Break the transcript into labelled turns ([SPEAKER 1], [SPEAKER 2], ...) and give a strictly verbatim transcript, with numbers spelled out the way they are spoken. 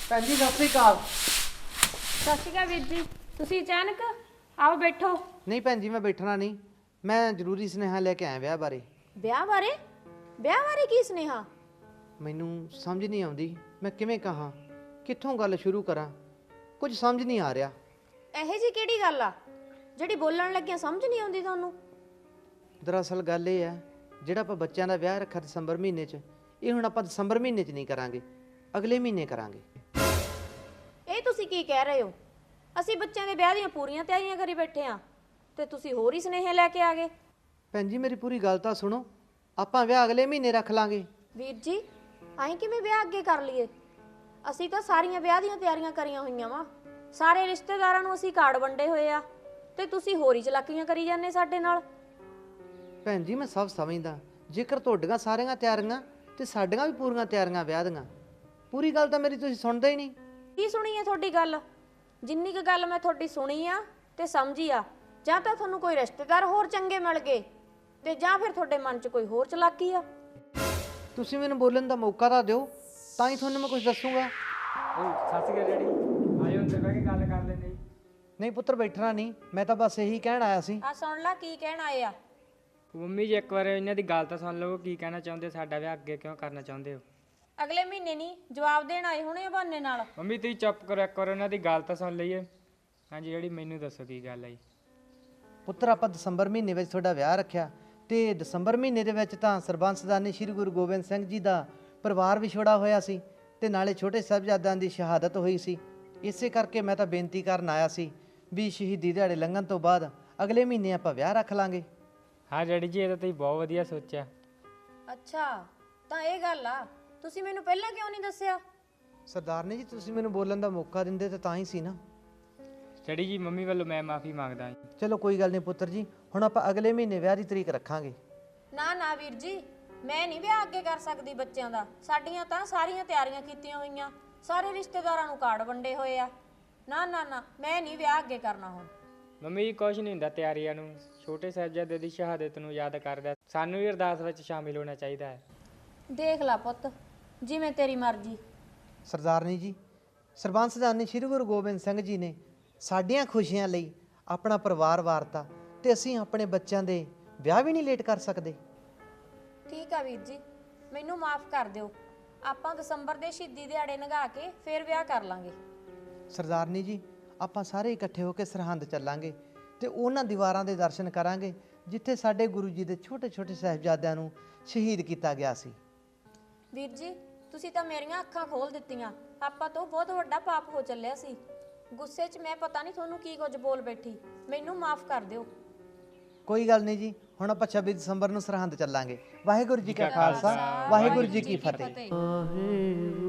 [SPEAKER 1] ਭੈਣ ਜੀ ਸਤਿ ਸ੍ਰੀ ਅਕਾਲ।
[SPEAKER 2] ਸਤਿ ਸ਼੍ਰੀ ਅਕਾਲ ਵੀਰ ਜੀ। ਤੁਸੀਂ ਅਚਾਨਕ ਆਓ ਬੈਠੋ।
[SPEAKER 1] ਨਹੀਂ ਭੈਣ ਜੀ ਮੈਂ ਬੈਠਣਾ ਨਹੀਂ, ਮੈਂ ਜ਼ਰੂਰੀ ਸੁਨੇਹਾ ਲੈ ਕੇ ਆਇਆ ਵਿਆਹ ਬਾਰੇ।
[SPEAKER 2] ਵਿਆਹ ਬਾਰੇ? ਵਿਆਹ ਬਾਰੇ ਕੀ ਸੁਨੇਹਾ?
[SPEAKER 1] ਮੈਨੂੰ ਸਮਝ ਨਹੀਂ ਆਉਂਦੀ ਮੈਂ ਕਿਵੇਂ ਕਹਾਂ, ਕਿੱਥੋਂ ਗੱਲ ਸ਼ੁਰੂ ਕਰਾਂ, ਕੁਝ ਸਮਝ ਨਹੀਂ ਆ ਰਿਹਾ।
[SPEAKER 2] ਇਹੋ ਜੀ ਕਿਹੜੀ ਗੱਲ ਆ ਜਿਹੜੀ ਬੋਲਣ ਲੱਗਿਆ ਸਮਝ ਨਹੀਂ ਆਉਂਦੀ ਤੁਹਾਨੂੰ?
[SPEAKER 1] ਦਰਅਸਲ ਗੱਲ ਇਹ ਹੈ, ਜਿਹੜਾ ਆਪਾਂ ਬੱਚਿਆਂ ਦਾ ਵਿਆਹ ਰੱਖਿਆ ਦਸੰਬਰ ਮਹੀਨੇ 'ਚ, ਇਹ ਹੁਣ ਆਪਾਂ ਦਸੰਬਰ ਮਹੀਨੇ 'ਚ ਨਹੀਂ ਕਰਾਂਗੇ, ਅਗਲੇ ਮਹੀਨੇ ਕਰਾਂਗੇ।
[SPEAKER 2] ਇਹ ਤੁਸੀਂ ਕੀ ਕਹਿ ਰਹੇ ਹੋ? ਅਸੀਂ ਬੱਚਿਆਂ ਦੇ ਵਿਆਹ ਦੀਆਂ ਪੂਰੀਆਂ ਤਿਆਰੀਆਂ ਕਰੀ ਬੈਠੇ ਆ ਤੇ ਤੁਸੀਂ ਹੋਰ ਹੀ ਸੁਨੇਹੇ ਲੈ ਕੇ ਆ ਗਏ।
[SPEAKER 1] ਭੈਣ ਜੀ ਮੇਰੀ ਪੂਰੀ ਗੱਲ ਤਾਂ ਸੁਣੋ, ਆਪਾਂ ਵਿਆਹ ਅਗਲੇ ਮਹੀਨੇ ਰੱਖ ਲਾਂਗੇ।
[SPEAKER 2] ਵੀਰ ਜੀ ਅਸੀਂ ਕਿਵੇਂ ਵਿਆਹ ਅੱਗੇ ਕਰ ਲਈਏ? ਅਸੀਂ ਤਾਂ ਸਾਰੀਆਂ ਵਿਆਹ ਦੀਆਂ ਤਿਆਰੀਆਂ ਕਰੀਆਂ ਹੋਈਆਂ ਵਾ, ਸਾਰੇ ਰਿਸ਼ਤੇਦਾਰਾਂ ਨੂੰ ਅਸੀਂ ਕਾਰਡ ਵੰਡੇ ਹੋਏ ਆ ਤੇ ਤੁਸੀਂ ਹੋਰ ਹੀ ਚਲਾਕੀਆਂ ਕਰੀ ਜਾਂਦੇ ਸਾਡੇ ਨਾਲ।
[SPEAKER 1] ਭੈਣ ਜੀ ਮੈਂ ਸਭ ਸਮਝਦਾ, ਜੇਕਰ ਤੁਹਾਡੀਆਂ ਸਾਰੀਆਂ ਤਿਆਰੀਆਂ ਤੇ ਸਾਡੀਆਂ ਵੀ ਪੂਰੀਆਂ ਤਿਆਰੀਆਂ ਵਿਆਹ ਦੀਆਂ, ਪੂਰੀ ਗੱਲ ਤਾਂ ਮੇਰੀ ਤੁਸੀਂ ਸੁਣਦੇ ਹੀ ਨਹੀਂ।
[SPEAKER 2] ਕੀ ਸੁਣੀ ਹੈ ਤੁਹਾਡੀ ਗੱਲ? ਜਿੰਨੀ ਕੁ ਗੱਲ ਮੈਂ ਤੁਹਾਡੀ ਸੁਣੀ ਆ ਤੇ ਸਮਝੀ ਆ, ਜਾਂ ਤਾਂ ਤੁਹਾਨੂੰ ਕੋਈ ਰਿਸ਼ਤੇਦਾਰ ਹੋਰ ਚੰਗੇ ਮਿਲ ਗਏ ਤੇ ਜਾਂ ਫਿਰ ਤੁਹਾਡੇ ਮਨ 'ਚ ਕੋਈ ਹੋਰ ਚਲਾਕੀ ਆ।
[SPEAKER 1] ਤੁਸੀਂ ਮੈਨੂੰ ਬੋਲਣ ਦਾ ਮੌਕਾ ਤਾਂ ਦਿਓ, ਤਾਂ ਹੀ ਤੁਹਾਨੂੰ ਮੈਂ ਕੁਝ ਦੱਸੂਗਾ।
[SPEAKER 3] ਓਏ ਸੱਸ ਕੇ ਰੈਡੀ ਆਇਓ ਅੰਦਰ ਬਹਿ ਕੇ ਗੱਲ ਕਰ ਲੈਂਦੇ ਜੀ।
[SPEAKER 1] ਨਹੀਂ ਪੁੱਤਰ ਬੈਠਣਾ ਨਹੀਂ, ਮੈਂ ਤਾਂ ਬਸ ਇਹੀ ਕਹਿਣ ਆਇਆ ਸੀ।
[SPEAKER 2] ਆ ਸੁਣ ਲੈ ਕੀ ਕਹਿਣ ਆਏ ਆ।
[SPEAKER 3] ਮੰਮੀ ਜੀ ਇੱਕ ਵਾਰ ਇਹਨਾਂ ਦੀ ਗੱਲ ਤਾਂ ਸੁਣ ਲਓ, ਕੀ ਕਹਿਣਾ ਚਾਹੁੰਦੇ, ਸਾਡਾ ਵਿਆਹ ਅੱਗੇ ਕਿਉਂ ਕਰਨਾ ਚਾਹੁੰਦੇ ਹੋ?
[SPEAKER 2] ਅਗਲੇ ਮਹੀਨੇ ਨਹੀਂ, ਜਵਾਬ ਦੇਣ ਆਏ ਹੋਣੇ ਆ ਬਹਾਨੇ ਨਾਲ।
[SPEAKER 3] ਮੰਮੀ ਤੁਸੀਂ ਚੁੱਪ ਕਰੋ, ਇੱਕ ਵਾਰ ਉਹਨਾਂ ਦੀ ਗੱਲ ਤਾਂ ਸੁਣ ਲਈਏ। ਹਾਂਜੀ ਜਿਹੜੀ ਮੈਨੂੰ ਦੱਸੋ ਕੀ ਗੱਲ ਹੈ ਜੀ।
[SPEAKER 1] ਪੁੱਤਰ ਆਪਾਂ ਦਸੰਬਰ ਮਹੀਨੇ ਵਿੱਚ ਤੁਹਾਡਾ ਵਿਆਹ ਰੱਖਿਆ ਤੇ ਦਸੰਬਰ ਮਹੀਨੇ ਦੇ ਵਿੱਚ ਤਾਂ ਸਰਬੰਸ ਸਦਾਨੀ ਸ੍ਰੀ ਗੁਰੂ ਗੋਬਿੰਦ ਸਿੰਘ ਜੀ ਦਾ ਪਰਿਵਾਰ ਵਿਛੋੜਾ ਹੋਇਆ ਸੀ ਤੇ ਨਾਲੇ ਛੋਟੇ ਸਾਹਿਬਜ਼ਾਦਿਆਂ ਦੀ ਸ਼ਹਾਦਤ ਹੋਈ ਸੀ। ਇਸੇ ਕਰਕੇ ਮੈਂ ਤਾਂ ਬੇਨਤੀ ਕਰਨ ਆਇਆ ਸੀ ਵੀ ਸ਼ਹੀਦੀ ਦਿਹਾੜੇ ਲੰਘਣ ਤੋਂ ਬਾਅਦ ਅਗਲੇ ਮਹੀਨੇ ਆਪਾਂ ਵਿਆਹ ਰੱਖ ਲਾਂਗੇ।
[SPEAKER 3] ਹਾਂ ਡੈਡੀ ਜੀ ਇਹ ਤਾਂ ਤੁਸੀਂ ਬਹੁਤ ਵਧੀਆ ਸੋਚਿਆ।
[SPEAKER 2] ਅੱਛਾ ਤਾਂ ਇਹ ਗੱਲ ਆ, ਤੁਸੀਂ ਮੈਨੂੰ ਪਹਿਲਾਂ ਕਿਉਂ ਨਹੀਂ ਦੱਸਿਆ?
[SPEAKER 1] ਸਰਦਾਰਨੀ ਜੀ ਤੁਸੀਂ ਮੈਨੂੰ ਬੋਲਣ ਦਾ ਮੌਕਾ ਦਿੰਦੇ ਤਾਂ ਤਾਂ ਹੀ ਸੀ ਨਾ।
[SPEAKER 3] ਡੈਡੀ ਜੀ ਮੰਮੀ ਵੱਲੋਂ ਮੈਂ ਮਾਫੀ ਮੰਗਦਾ ਜੀ।
[SPEAKER 1] ਚਲੋ ਕੋਈ ਗੱਲ ਨਹੀਂ ਪੁੱਤਰ ਜੀ, ਹੁਣ ਆਪਾਂ ਅਗਲੇ ਮਹੀਨੇ ਵਿਆਹ ਦੀ ਤਰੀਕ ਰੱਖਾਂਗੇ।
[SPEAKER 2] ਨਾ ਨਾ ਵੀਰ ਜੀ, ਮੈਂ ਨਹੀਂ ਵਿਆਹ ਅੱਗੇ ਕਰ ਸਕਦੀ ਬੱਚਿਆਂ ਦਾ। ਸਾਡੀਆਂ ਤਾਂ ਸਾਰੀਆਂ ਤਿਆਰੀਆਂ ਕੀਤੀਆਂ ਹੋਈਆਂ, ਸਾਰੇ ਰਿਸ਼ਤੇਦਾਰਾਂ ਨੂੰ ਕਾਰਡ ਵੰਡੇ ਹੋਏ ਆ। ਨਾ ਨਾ ਨਾ ਮੈਂ ਨਹੀਂ ਵਿਆਹ ਅੱਗੇ ਕਰਨਾ ਹੁਣ।
[SPEAKER 3] ਮੰਮੀ ਜੀ ਕੁਛ ਨਹੀਂ ਹੁੰਦਾ ਤਿਆਰੀਆਂ ਨੂੰ, ਛੋਟੇ ਸਾਹਿਬਜ਼ਾਦੇ ਦੀ ਸ਼ਹਾਦਤ ਨੂੰ ਯਾਦ ਕਰਦਾ ਸਾਨੂੰ ਵੀ ਅਰਦਾਸ ਵਿੱਚ ਸ਼ਾਮਿਲ ਹੋਣਾ ਚਾਹੀਦਾ ਹੈ।
[SPEAKER 2] ਦੇਖ ਲਾ ਪੁੱਤ, ਜਿਵੇਂ ਤੇਰੀ ਮਰਜ਼ੀ।
[SPEAKER 1] ਸਰਦਾਰਨੀ ਜੀ ਸਰਬੰਸ ਸਦਾਨੀ ਸ੍ਰੀ ਗੁਰੂ ਗੋਬਿੰਦ ਸਿੰਘ ਜੀ ਨੇ ਸਾਡੀਆਂ ਖੁਸ਼ੀਆਂ ਲਈ ਆਪਣਾ ਪਰਿਵਾਰ ਵਾਰਤਾ ਤੇ ਅਸੀਂ ਆਪਣੇ ਬੱਚਿਆਂ ਦੇ ਵਿਆਹ ਵੀ ਨਹੀਂ ਲੇਟ ਕਰ ਸਕਦੇ।
[SPEAKER 2] ਠੀਕ ਆ ਵੀਰ ਜੀ, ਮੈਨੂੰ ਮਾਫ ਕਰ ਦਿਓ। ਆਪਾਂ ਦਸੰਬਰ ਦੇ ਸ਼ਹੀਦੀ ਦਿਹਾੜੇ ਲੰਘਾ ਕੇ ਫੇਰ ਵਿਆਹ ਕਰ ਲਾਂਗੇ।
[SPEAKER 1] ਸਰਦਾਰਨੀ ਜੀ ਆਪਾਂ ਸਾਰੇ ਇਕੱਠੇ ਹੋ ਕੇ ਸਰਹੰਦ ਚੱਲਾਂਗੇ ਤੇ ਉਹਨਾਂ ਦੀਵਾਰਾਂ ਦੇ ਦਰਸ਼ਨ ਕਰਾਂਗੇ ਜਿੱਥੇ ਸਾਡੇ ਗੁਰੂ ਜੀ ਦੇ ਛੋਟੇ ਛੋਟੇ ਸਾਹਿਬਜ਼ਾਦਿਆਂ ਨੂੰ ਸ਼ਹੀਦ ਕੀਤਾ ਗਿਆ ਸੀ।
[SPEAKER 2] ਵੀਰ ਜੀ ਤੁਸੀਂ ਤਾਂ ਮੇਰੀਆਂ ਅੱਖਾਂ ਖੋਲ ਦਿੱਤੀਆਂ। ਆਪਾਂ ਤੋਂ ਬਹੁਤ ਵੱਡਾ ਪਾਪ ਹੋ ਚੱਲਿਆ ਸੀ। ਗੁੱਸੇ 'ਚ ਮੈਂ ਪਤਾ ਨਹੀਂ ਤੁਹਾਨੂੰ ਕੀ ਕੁਝ ਬੋਲ ਬੈਠੀ, ਮੈਨੂੰ ਮਾਫ ਕਰ ਦਿਓ।
[SPEAKER 1] ਕੋਈ ਗੱਲ ਨਹੀਂ ਜੀ, ਹੁਣ ਆਪਾਂ ਛੱਬੀ ਦਸੰਬਰ ਨੂੰ ਸਰਹੰਦ ਚੱਲਾਂਗੇ। ਵਾਹਿਗੁਰੂ ਜੀ ਕਾ ਖਾਲਸਾ, ਵਾਹਿਗੁਰੂ ਜੀ ਕੀ ਫਤਿਹ।